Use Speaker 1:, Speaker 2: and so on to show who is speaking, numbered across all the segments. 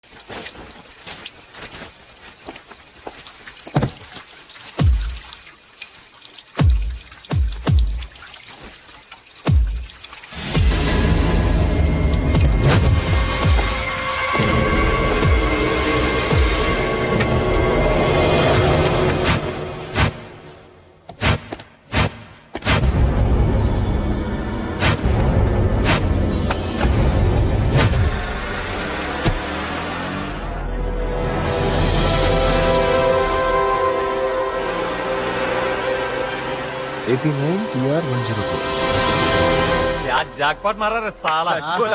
Speaker 1: AP9 TR102
Speaker 2: jackpot మారా సాలా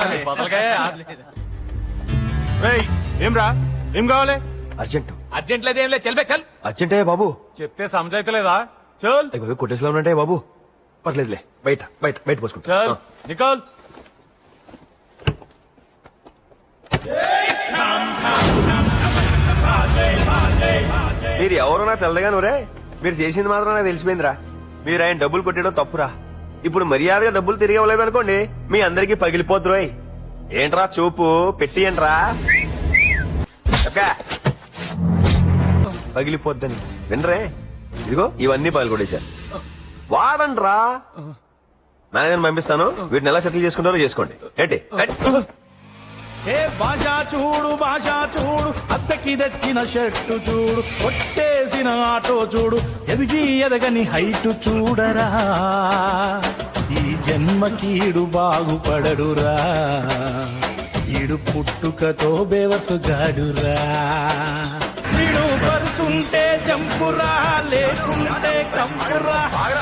Speaker 3: ఏం రా ఏం కావాలి?
Speaker 2: అర్జెంట్ లేదేం లేదు చల్ బే చల్.
Speaker 1: అర్జెంటే బాబు.
Speaker 2: చెప్తే సమజైతలేదా? చల్
Speaker 1: అయ్యో కొట్టేసిలో ఉన్నట్టే బాబు. పర్లేదులే, బయట బయట బయట పోసుకుంటా.
Speaker 2: చల్ నికల్.
Speaker 1: మీరు ఎవరో నాకు తెలదగాను రే. మీరు చేసింది మాత్రం నాకు తెలిసిపోయిందిరా. మీరు ఆయన డబ్బులు కొట్టడం తప్పురా. ఇప్పుడు మర్యాదగా డబ్బులు తిరిగి ఇవ్వలేదు అనుకోండి, మీ అందరికి పగిలిపోద్దురోయ్. ఏంట్రా చూపు పెట్టి ఏంట్రా పగిలిపోద్దని వినరే. ఇదిగో ఇవన్నీ పగిలికొట్టేశారు. వాడండ్రా. మేనేజర్ పంపిస్తాను, వీటిని ఎలా సెటిల్ చేసుకుంటారో చేసుకోండి. ఏంటి
Speaker 3: ఏ భాషా చూడు అత్తకి తెచ్చిన షర్టు చూడు, కొట్టేసిన ఆటో చూడు, ఎదిగి ఎదగని హైటు చూడరా. ఈ జన్మకీడు బాగుపడడురా, ఈడు పుట్టుకతో బేవర్సు గాడురా. వీడు పరుసుంటే చంపురా, లేకుంటే కంపురా.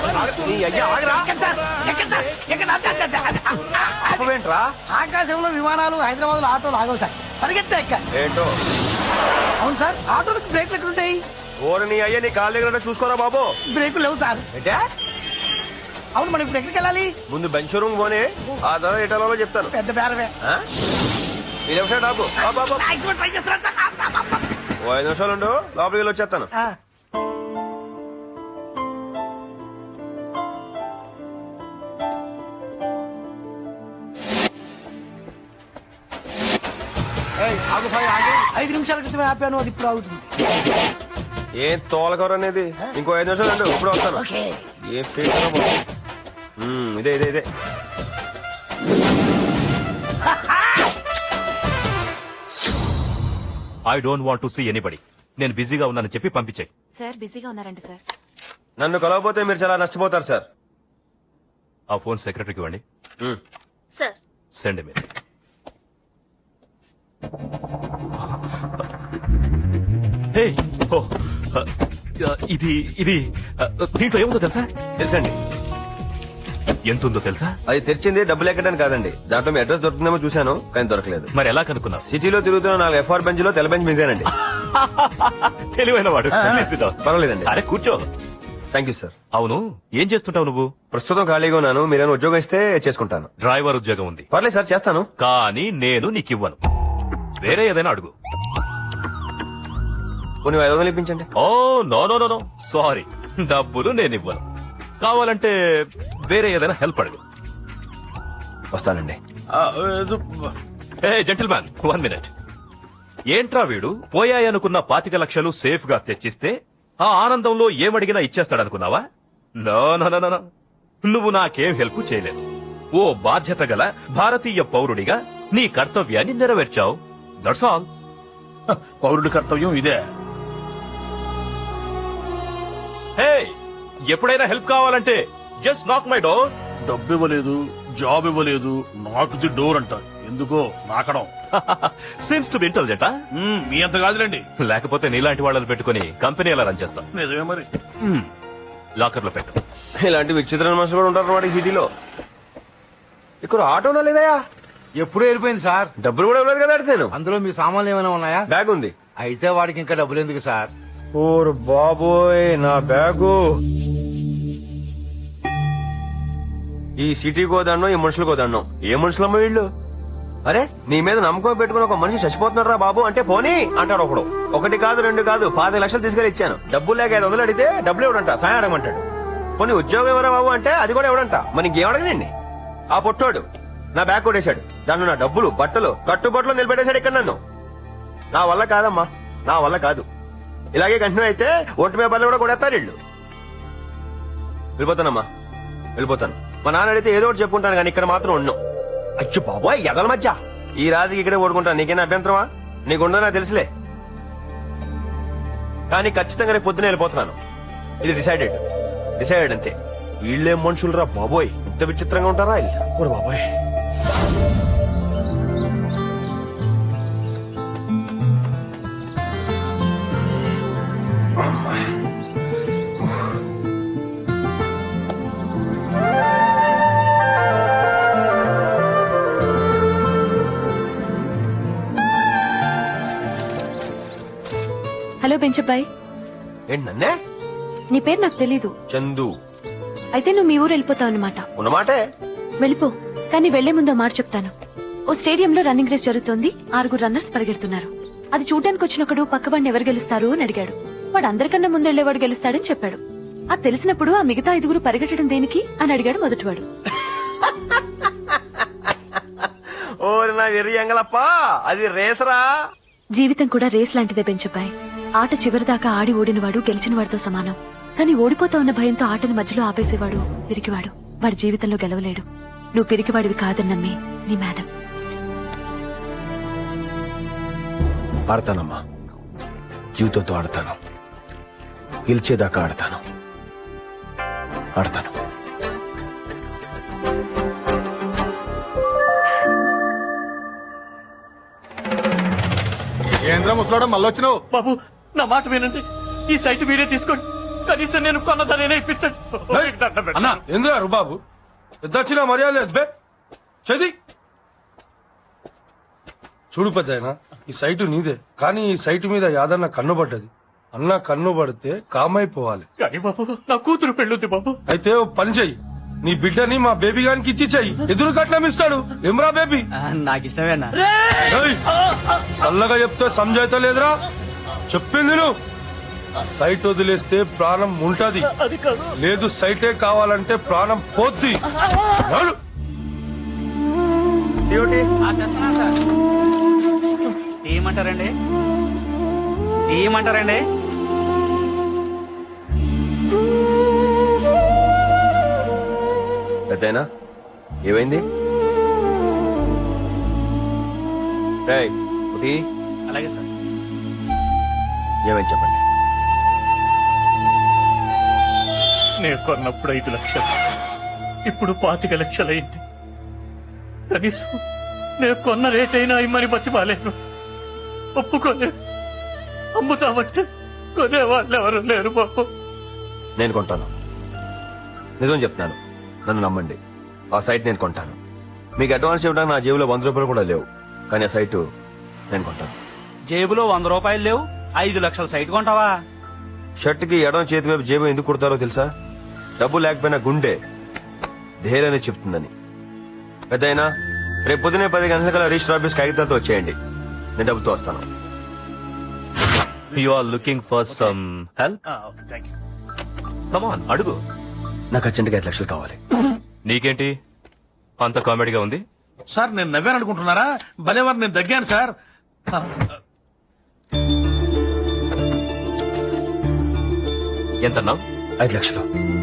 Speaker 1: ఏంట్రా
Speaker 4: ఆకాశంలో విమానాలు, హైదరాబాద్ లో ఆటోలు ఆగవు సార్. పరిగెత్తా ఎక్క.
Speaker 1: ఏంటో
Speaker 4: అవును సార్, ఆటోలకు బ్రేక్లు ఎక్కడుంటాయి?
Speaker 1: ఓరు నీ అయ్యా, నీ కాళ్ళ దగ్గర చూసుకోరా బాబు.
Speaker 4: బ్రేకులు లేవు సార్. అవును, మనం ఇప్పుడు ఎక్కడికి వెళ్ళాలి?
Speaker 1: ముందు బెంచ్ రూమ్ పోనీ, ఆ తర్వాత ఎటాలో చెప్తాను.
Speaker 4: పెద్ద బేరవే.
Speaker 1: డాబు 5 నిమిషాలు ఉండు, లోపలికి వెళ్ళి వచ్చేస్తాను.
Speaker 4: ఐదు నిమిషాల క్రితమే ఆపాను, అది ఇప్పుడు అవుతుంది.
Speaker 1: ఏం తోలకూర అనేది. ఇంకో 5 నిమిషాలు ఉండు, ఇప్పుడు వస్తాను. ఏం ఇదే ఇదే ఇదే.
Speaker 3: I don't want to see anybody. నేను బిజీగా ఉన్నానని చెప్పి పంపించాయి.
Speaker 5: సార్ బిజీగా ఉన్నారంట సార్.
Speaker 1: నన్ను కలవకపోతే మీరు చాలా నష్టపోతారు సార్.
Speaker 3: ఆ ఫోన్ సెక్రటరీకి ఇవ్వండి.
Speaker 5: Sir
Speaker 3: send me. హే ఓ ఇది ఇది దీంట్లో ఏముందో తెలుసా?
Speaker 1: తెలుసండి.
Speaker 3: ఎంత ఉందో తెలుసా?
Speaker 1: అది తెరిచింది డబ్బులు ఎక్కడానికి కాదండి. దాంట్లో మీ అడ్రస్ దొరుకుతుందేమో చూశాను, కానీ దొరకలేదు.
Speaker 3: మరి ఎలా కనుక్కున్నావు?
Speaker 1: సిటీలో తిరుగుతున్న 4 FR బెంచ్ లో తెల్ల బెంచ్ మీదేనండి.
Speaker 3: తెలివైన వాడు.
Speaker 1: పర్వాలేదండి.
Speaker 3: అరే కూర్చో.
Speaker 1: Thank you sir.
Speaker 3: అవును, ఏం చేస్తుంటావు నువ్వు?
Speaker 1: ప్రస్తుతం ఖాళీగా ఉన్నాను. మీరేమైనా ఉద్యోగం ఇస్తే చేసుకుంటాను.
Speaker 3: డ్రైవర్ ఉద్యోగం ఉంది.
Speaker 1: పర్లేదు సార్, చేస్తాను.
Speaker 3: కానీ నేను నీకు ఇవ్వను. వేరే ఏదైనా అడుగు.
Speaker 1: కొన్ని 500 ఇప్పించండి.
Speaker 3: Oh no no no no sorry, డబ్బులు నేను ఇవ్వను. కావాలంటే వేరే ఏదైనా హెల్ప్ అడుగు.
Speaker 1: వస్తానండి.
Speaker 3: ఏ జెంటిల్మ్యాన్, 1 మినిట్. ఏంట్రా వీడు పోయాయనుకున్న 25 లక్షలు సేఫ్ గా తెచ్చిస్తే ఆ ఆనందంలో ఏమడిగినా ఇచ్చేస్తాడనుకున్నావా? నో నో నో నో, నువ్వు నాకేం హెల్ప్ చేయలేదు. ఓ బాధ్యత గల భారతీయ పౌరుడిగా నీ కర్తవ్యాన్ని నెరవేర్చావు. That's all.
Speaker 6: పౌరుడి కర్తవ్యం ఇదే.
Speaker 3: హే, ఎప్పుడైనా హెల్ప్ కావాలంటే జస్ట్ నాక్ మై డోర్.
Speaker 6: డబ్బు ఇవ్వలేదు, జాబ్ ఇవ్వలేదు, నాకు డోర్ అంట. ఎందుకో నాకడం.
Speaker 3: Seems to be intelligent.
Speaker 6: మీ అంత కాదులేండి.
Speaker 3: లేకపోతే నీలాంటి వాళ్ళని పెట్టుకుని కంపెనీ ఎలా రన్ చేస్తాం?
Speaker 6: నిజమే మరి.
Speaker 3: లాకర్ లో పెట్టు.
Speaker 1: ఇలాంటి విచిత్రమైన మనుషులు కూడా ఉంటారు అన్నమాట ఈ సిటీలో. ఇక్కడ ఆటోనా లేదయా?
Speaker 7: ఎప్పుడూ వెళ్ళిపోయింది సార్.
Speaker 1: డబ్బులు కూడా ఇవ్వలేదు కదా నేను.
Speaker 7: అందులో మీ సామాన్లు ఏమైనా ఉన్నాయా?
Speaker 1: బ్యాగ్ ఉంది.
Speaker 7: అయితే వాడికి ఇంకా డబ్బులు ఎందుకు సార్?
Speaker 1: ఓర్ బాబోయ్, నా బ్యాగు. ఈ సిటీకో దండం, ఈ మనుషులకో దండం. ఏ మనుషులమ్మ వీళ్ళు? అరే, నీ మీద నమ్మకం పెట్టుకుని ఒక మనిషి చచ్చిపోతున్నాడు రా బాబు అంటే పోనీ అంటాడు ఒకడు. 1 కాదు 2 కాదు 15 లక్షలు తీసుకెళ్లి ఇచ్చాను. డబ్బులు లేక 500 అడిగితే డబ్బులు ఇవ్వడంట, సాయం అడగమంటాడు. పోనీ ఉద్యోగం ఎవరా బాబు అంటే అది కూడా ఇవ్వడంట. మరి ఇంకేం అడగనండి. ఆ పొట్టోడు నా బ్యాగ్ కొట్టేశాడు. దాంట్లో నా డబ్బులు, బట్టలు, కట్టుబట్టలు నిలబెట్టేశాడు ఇక్కడ నన్ను. నా వల్ల కాదమ్మా, నా వల్ల కాదు. ఇలాగే కంటిన్యూ అయితే ఓటు పేపర్లు కూడా కొడేస్తారు వీళ్ళు. వెళ్ళిపోతానమ్మా, వెళ్ళిపోతాను. మా నాన్న అడిగితే ఏదో ఒకటి చెప్పుకుంటాను కానీ ఇక్కడ మాత్రం ఉన్నాం. అచ్చు బాబోయ్, ఎదల మధ్య ఈ రాజుకి ఇక్కడే ఓడుకుంటాను. నీకేనా అభ్యంతరమా? నీకుండదో నాకు తెలుసులే. కానీ ఖచ్చితంగా రేపు పొద్దున వెళ్ళిపోతున్నాను. ఇది డిసైడెడ్ అంతే. వీళ్ళేం మనుషులు రా బాబోయ్, ఇంత విచిత్రంగా ఉంటారా వీళ్ళు? బాబోయ్.
Speaker 5: హలో బెంచబ్బాయ్,
Speaker 1: ఏంటి నన్నే?
Speaker 5: నీ పేరు నాకు తెలీదు.
Speaker 1: చందు.
Speaker 5: అయితే నువ్వు మీ ఊరు వెళ్ళిపోతావు అన్నమాట.
Speaker 1: ఉన్నమాటే.
Speaker 5: వెళ్ళిపో, కానీ వెళ్లే ముందు మాట చెప్తాను. ఓ స్టేడియంలో రన్నింగ్ రేస్ జరుగుతోంది. 6 రన్నర్స్ పరిగెడుతున్నారు. అది చూడడానికి వచ్చినప్పుడు పక్కవాడిని ఎవరు గెలుస్తారు అని అడిగాడు. వాడు అందరికన్నా ముందెళ్లేవాడు గెలుస్తాడని చెప్పాడు. అది తెలిసినప్పుడు ఆ మిగతా 5 పరిగెట్టడం దేనికి అని అడిగాడు మొదటివాడు.
Speaker 1: ఓరి నా వెర్రి ఎంగలప్పా, అది రేసరా.
Speaker 5: జీవితం కూడా రేస్ లాంటిదే బెంచబ్బాయ్. ఆట చివరిదాకా ఆడి ఓడినవాడు గెలిచిన వాడితో సమానం. కానీ ఓడిపోతా ఉన్న భయంతో ఆటని మధ్యలో ఆపేసేవాడు పిరికివాడు. వాడి జీవితంలో గెలవలేడు. నువ్వు పిరికివాడివి కాదని నమ్మి నీ మేడం.
Speaker 1: ఆడతానమ్మా, జీవితంతో ఆడతాను. గెలిచేదాకా ఆడతాను.
Speaker 4: ఏంద్ర ముసలాడం మళ్ళీ వచ్చినావు?
Speaker 2: బాబు నా మాట వినండి, ఈ సైట్ మీరే తీసుకోండి. కనీసం నేను కొన్న ధరైనా ఇప్పించండి.
Speaker 4: అన్నా ఏంద్రా బాబు, పెద్దచ్చిన మర్యాద లేదు బే. చది చూడు పెద్దాయన, ఈ సైటు నీదే. కానీ ఈ సైటు మీద యాదన్న కన్ను పడ్డది. అన్న కన్ను పడితే కామైపోవాలి.
Speaker 2: కానీ బాబు నా కూతురు పెళ్ళుద్ది బాబు.
Speaker 4: అయితే ఓ పని చెయ్యి, నీ బిడ్డని మా బేబీ గానికి ఇచ్చి చెయ్యి. ఎదురు కట్నం ఇస్తాడు. ఏమ్రా బేబీ?
Speaker 8: నాకు ఇష్టమేనా?
Speaker 4: ఏయ్, చల్లగా చెప్తే సంజాయిత లేదురా. చెప్పింది నువ్వు. సైట్ వదిలేస్తే ప్రాణం ఉంటది, లేదు సైటే కావాలంటే ప్రాణం పోద్ది. నడు.
Speaker 8: ఏమంటారండి? ఏమంటారండి?
Speaker 1: పెద్దయినా ఏమైంది? రేయ్, ఒకటి
Speaker 8: అలాగే సార్.
Speaker 1: ఏమైంది చెప్పండి.
Speaker 2: నేను కొన్నప్పుడు 5 లక్షలు, ఇప్పుడు 25 లక్షలైంది. కనీసం నేను కొన్న రేట్ అయినా ఇమ్మని బతిమాలేను. ఒప్పుకోలేను. అమ్ముతామంటే కొనేవాళ్ళు ఎవరు లేరు బాబు.
Speaker 1: నేను కొంటాను, నిజం చెప్తున్నాను, నన్ను నమ్మండి. ఆ సైట్ నేను కొంటాను. మీకు అడ్వాన్స్ ఇవ్వడానికి నా జేబులో 100 రూపాయలు కూడా లేవు. కానీ ఆ సైటు నేను కొంటాను.
Speaker 8: జేబులో 100 రూపాయలు లేవు, 5 లక్షల సైట్ కొంటావా?
Speaker 1: షర్ట్కి ఎడం చేతి వైపు జేబు ఎందుకు కుడతారో తెలుసా? డబ్బు లేకపోయినా గుండె ధైర్యాన్ని చెప్తుందని. పెద్దయినా రేపు పొద్దునే 10 గంటల రిజిస్టర్ ఆఫీస్ కాగితాలతో వచ్చేయండి. నేను డబ్బుతో వస్తాను.
Speaker 3: You are looking for some help?
Speaker 2: Thank you.
Speaker 3: Come on, అడుగు.
Speaker 1: నాకు అర్జెంట్గా 5 లక్షలు కావాలి.
Speaker 3: నీకేంటి అంత కామెడీగా ఉంది?
Speaker 6: సార్ నేను నవ్వాను అనుకుంటున్నారా? భలేవారు, నేను దగ్గాను సార్.
Speaker 3: ఎంతన్నావు?
Speaker 1: 5 లక్షలు.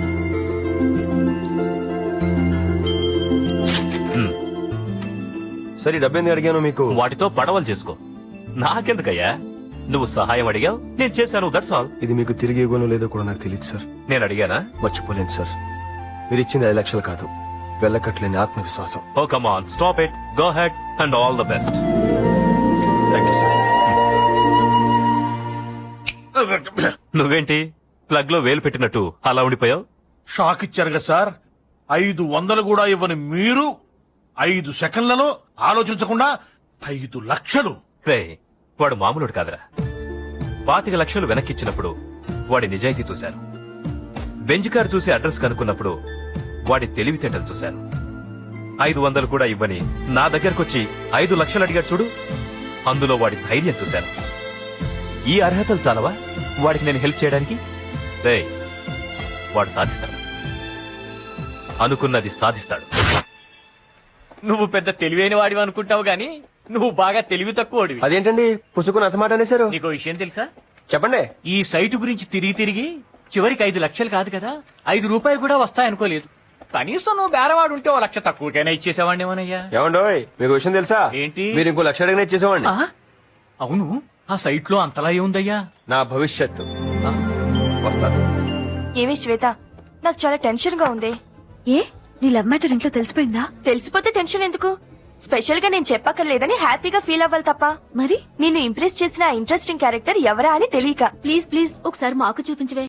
Speaker 1: సరే, డబ్బు ఎందుకు అడిగాను మీకు?
Speaker 3: వాటితో పడవలు చేసుకో. నాకెందుకయ్యా? నువ్వు సహాయం అడిగావు, నేను చేశాను, దట్స్ ఆల్.
Speaker 1: ఇది మీకు తిరిగి ఇవ్వనో లేదో కూడా నాకు తెలియదు సార్.
Speaker 3: నేను అడిగానా?
Speaker 1: మర్చిపోలేను సార్. మీరు ఇచ్చింది 5 లక్షలు కాదు, వెళ్ళకట్లేని ఆత్మవిశ్వాసం.
Speaker 3: Oh come on, stop it, go ahead and all the best.
Speaker 1: Thank you sir.
Speaker 3: నువ్వేంటి ప్లగ్ లో వేలు పెట్టినట్టు అలా ఉండిపోయావు?
Speaker 6: షాక్ ఇచ్చారు కదా సార్. 500 కూడా ఇవ్వని మీరు 5 సెకండ్లలో ఆలోచించకుండా 5 లక్షలు.
Speaker 3: రే, వాడు మామూలుడు కాదురా. 25 లక్షలు వెనక్కిచ్చినప్పుడు వాడి నిజాయితీ చూశాను. బెంజ్ కార్ చూసి అడ్రస్ కనుక్కున్నప్పుడు వాడి తెలివితేటలు చూశాను. 500 కూడా ఇవ్వని నా దగ్గరకొచ్చి 5 లక్షలు అడిగాడు చూడు, అందులో వాడి ధైర్యం చూశాను. ఈ అర్హతలు చాలవా వాడికి నేను హెల్ప్ చేయడానికి? రే, వాడు సాధిస్తాడు, అనుకున్నది సాధిస్తాడు.
Speaker 8: నువ్వు పెద్ద తెలివైన వాడివి అనుకుంటావు గాని
Speaker 2: నువ్వు బాగా తెలివి తక్కువడివి
Speaker 1: అదేంటండి పుసుకుని అతమాట అనేశారు
Speaker 2: నీకు విషయం తెలుసా
Speaker 1: చెప్పండి.
Speaker 2: ఈ సైటు గురించి తిరిగి తిరిగి చివరికి 5 లక్షలు కాదు కదా 5 రూపాయలు కూడా వస్తాయనుకోలేదు. కనీసం నువ్వు బేరవాడు ఉంటే 1 లక్ష తక్కువకైనా ఇచ్చేసేవాడిని ఏమోనయ్యా.
Speaker 1: ఏమండోయ్ మీకు విషయం తెలుసా?
Speaker 2: ఏంటి?
Speaker 1: మీరు ఇంకో లక్ష అడిగినా ఇచ్చేసేవాడిని.
Speaker 2: ఆ? అవును ఆ సైట్ లో అంతలా ఏముందయ్యా?
Speaker 1: నా భవిష్యత్తు.
Speaker 2: ఆ?
Speaker 1: వస్తాను.
Speaker 9: ఏమి శ్వేత నాకు చాలా టెన్షన్ గా ఉంది.
Speaker 5: ఏ నీ లవ్ మ్యాటర్ ఇంట్లో తెలిసిపోయిందా?
Speaker 9: తెలిసిపోతే టెన్షన్ ఎందుకు? స్పెషల్ గా నేను చెప్పక్కర్లేదని హ్యాపీగా ఫీల్ అవ్వాలి తప్ప
Speaker 5: మరి
Speaker 9: నిన్ను ఇంప్రెస్ చేసిన ఇంట్రెస్టింగ్ క్యారెక్టర్ ఎవరా అని తెలియక.
Speaker 5: ప్లీజ్ ప్లీజ్ ఒకసారి మాకు చూపించవే.